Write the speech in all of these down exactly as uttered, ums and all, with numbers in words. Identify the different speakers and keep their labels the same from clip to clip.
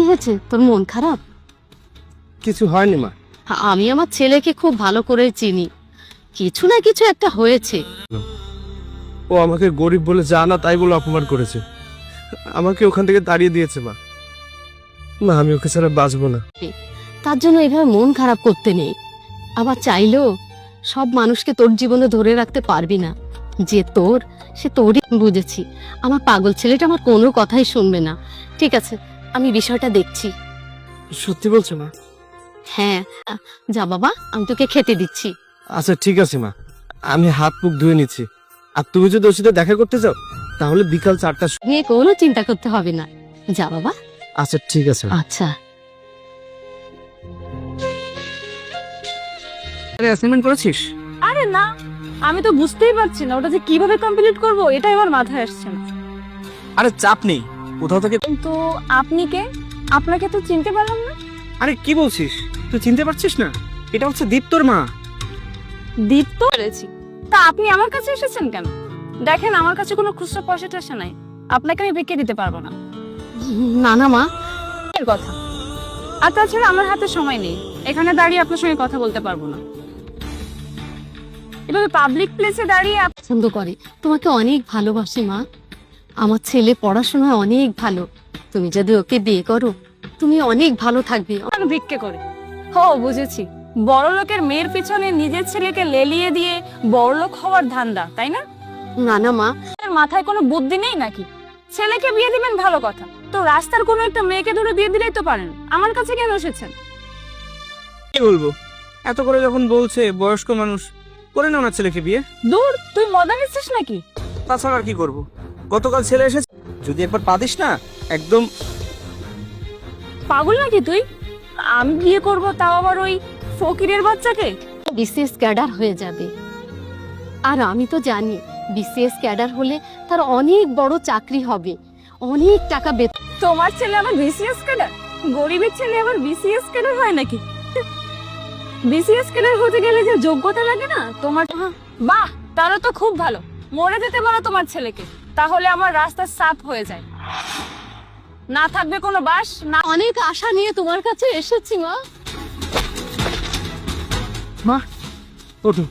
Speaker 1: হয়েছে? তোর মন খারাপ?
Speaker 2: কিছু হয়নি মা।
Speaker 1: আমি আমার ছেলেকে খুব ভালো করে চিনি, কিছু না কিছু একটা হয়েছে।
Speaker 2: ও আমাকে গরিব বলে যা না তাই বলে অপমান করেছে, আমাকে ওখান থেকে তাড়িয়ে দিয়েছে মা। মা আমি ওকে ছাড়া বাঁচবো না।
Speaker 1: তার জন্য এভাবে মন খারাপ করতে নেই। আবার চাইলেও সব মানুষকে তোর জীবনে ধরে রাখতে পারবি না। যে তোর সে তোরই। বুঝেছি, আমার পাগল ছেলেটা আমার কোনো কথাই শুনবে না। ঠিক আছে, আমি বিষয়টা দেখছি।
Speaker 2: সত্যি বলছো মা?
Speaker 1: হ্যাঁ, যা বাবা, আমি তোকে খেতে দিচ্ছি।
Speaker 2: আচ্ছা ঠিক আছে মা, আমি হাত মুখ ধুয়ে নিচ্ছি। আর তুমি যদি ওর সাথে দেখা করতে চাও তাহলে বিকাল চারটা।
Speaker 1: নিয়ে কোনো চিন্তা করতে হবে না, যা বাবা।
Speaker 2: আচ্ছা ঠিক আছে।
Speaker 1: আচ্ছা।
Speaker 2: আরে অ্যাসাইনমেন্ট করেছিস?
Speaker 3: আরে না, আমি তো বুঝতেই পারছি না ওটা যে কিভাবে কমপ্লিট করব, এটাই আমার মাথায় আসছে না।
Speaker 2: আরে চাপ নেই, কোথাও থেকে।
Speaker 3: কিন্তু আপনি কে? আপনাকে তো চিনতে পারলাম না।
Speaker 2: আরে কি বলছিস, তুই চিনতে পারছিস না? এটা হচ্ছে দীপ্তর মা।
Speaker 3: দীপ্ত পেরেছি, তা আপনি আমার কাছে এসেছেন কেন? দেখেন আমার কাছে কোনো খুচরা পয়সা টয়সা নাই, আপনাকে আমি বিক্রি দিতে পারবো না।
Speaker 1: না না মা,
Speaker 3: এর কথা। আর তাছাড়া আমার হাতে সময় নেই, এখানে দাঁড়িয়ে আপনার সঙ্গে কথা বলতে পারবো না। এভাবে পাবলিক প্লেসে দাঁড়িয়ে আপ-
Speaker 1: পছন্দ করে, তোমাকে অনেক ভালোবাসে মা। আমার ছেলে পড়াশোনায় অনেক ভালো, তুমি যদি ওকে বিয়ে করো তুমি অনেক ভালো থাকবে।
Speaker 3: আমাকে ভিক্ষে করে। হো বুঝেছি, বড় লোকের মেয়ের পিছনে নিজের ছেলেকে লেলিয়ে দিয়ে বড় লোক হওয়ার ধান্দা, তাই না?
Speaker 1: না না মা,
Speaker 3: আপনার মাথায় কোনো বুদ্ধি নেই নাকি? ছেলেকে বিয়ে দিবেন ভালো কথা, তো রাস্তার কোনো একটা মেয়েকে ধরে বিয়ে দিলেই তো পারেন। আমার কাছে কেন এসেছেন?
Speaker 2: কি বলবো, এত করে যখন বলছে বয়স্ক মানুষ, করে নাও না ছেলেকে বিয়ে।
Speaker 3: দূর, তুই মজা নিচ্ছিস নাকি?
Speaker 2: তাছাড়া আর কি করব, গতকাল ছেলে এসেছে, যদি একবার পা দিস না একদম।
Speaker 3: পাগল নাকি তুই? আমি বিয়ে করব, তাও আবার ওই ফকিরের বাচ্চাকে?
Speaker 1: বিসিএস ক্যাডার হয়ে যাবে। আর আমি তো জানি বিসিএস ক্যাডার হলে তার অনেক বড় চাকরি হবে, অনেক টাকা বেতন।
Speaker 3: তোমার ছেলে আবার বিসিএস ক্যাডার? গরিবের ছেলে আবার বিসিএস ক্যাডার হয় নাকি? বিসিএস ক্যাডার হতে গেলে যে যোগ্যতা লাগে না তোমার। বাহ, তারও তো খুব ভালো। মরে যেতে বলো তোমার ছেলেকে, তাহলে আমার রাস্তা সাফ হয়ে যায়, না থাকবে কোনো বাস না।
Speaker 1: অনেক আশা নিয়ে তোমার কাছে এসেছি মা।
Speaker 2: মা ওঠো।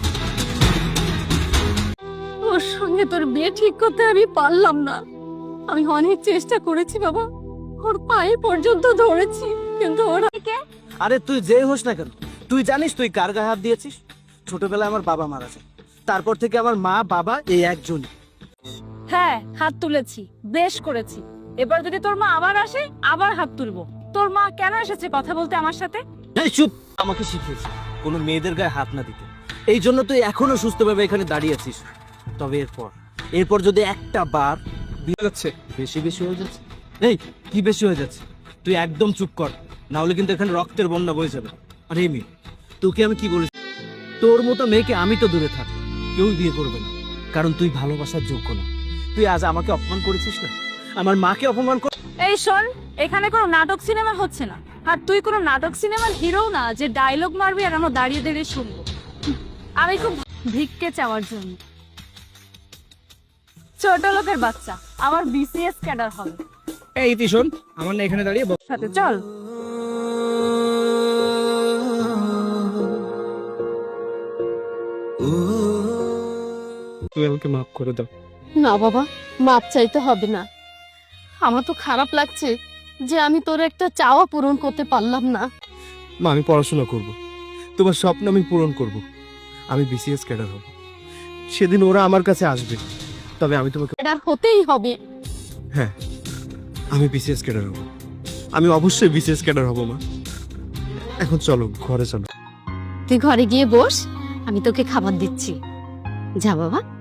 Speaker 1: ওর সঙ্গে তোর বিয়ে ঠিক করতে আমি পারলাম না। আমি অনেক চেষ্টা করেছি বাবা, ওর পায়ে পর্যন্ত ধরেছি, কিন্তু ওরা।
Speaker 4: আরে তুই যে হোস না কেন, তুই জানিস তুই কার গায়ে হাত দিয়েছিস? ছোটবেলায় আমার বাবা মারা যায়, তারপর থেকে আমার মা বাবা এই একজনই।
Speaker 3: হ্যাঁ, হাত তুলেছি, বেশ করেছি। এবার যদি তোর মা আবার আসে আবার হাত তুলবো। তোর মা কেন এসেছে কথা বলতে আমার সাথে?
Speaker 4: এই চুপ, আমাকে শিখিয়েছে কোনো মেয়েদের গায়ে হাত না দিতে। এই জন্য তুই এখনো সুস্থভাবে এখানে দাঁড়িয়ে আছিস। তবে এরপর এরপর যদি একটা বার
Speaker 2: বিয়ে যাচ্ছে।
Speaker 4: বেশি বেশি হয়ে যাচ্ছে। এই কি বেশি হয়ে যাচ্ছে? তুই একদম চুপ কর, না হলে কিন্তু এখানে রক্তের বন্যা বয়ে যাবে। আর এই মেয়ে, তোকে আমি কি বলেছি? তোর মতো মেয়েকে আমি তো দূরে থাক, কেউ বিয়ে করবে না, কারণ তুই ভালোবাসার যোগ্য না। তুই আজ আমাকে অপমান করেছিস না, আমার মাকে অপমান কর।
Speaker 3: এই শোন, এখানে কোনো নাটক সিনেমা হচ্ছে না, আর তুই কোনো নাটক সিনেমার হিরো না যে ডায়লগ মারবি আর আমরা দাঁড়িয়ে দাঁড়িয়ে শুনবো। আমি খুব ভিক্ষে চাওয়ার জন্য। ছোট লোকের বাচ্চা, আমার বিসিএস ক্যাডার হবে।
Speaker 2: এই ইতি শোন, আমার না এখানে দাঁড়িয়ে ব-
Speaker 3: সাথে চল।
Speaker 2: তুমি আমাকে মাফ করে দাও।
Speaker 1: না বাবা, মাপ চাইতে হবে না। আমার তো খারাপ লাগছে যে আমি তোর একটা চাওয়া পূরণ করতে পারলাম না।
Speaker 2: মা আমি পড়াশোনা করব, তোমার স্বপ্ন আমি পূরণ করব, আমি বিসিএস ক্যাডার হব। সেদিন ওরা আমার কাছে আসবে, তবে আমি তোমাকে।
Speaker 1: ক্যাডার হতেই হবে।
Speaker 2: হ্যাঁ, আমি বিসিএস ক্যাডার হব, আমি অবশ্যই বিসিএস ক্যাডার হব মা। এখন চলো ঘরে চলো।
Speaker 1: তুই ঘরে গিয়ে বস, আমি তোকে খাবার দিচ্ছি। যা বাবা।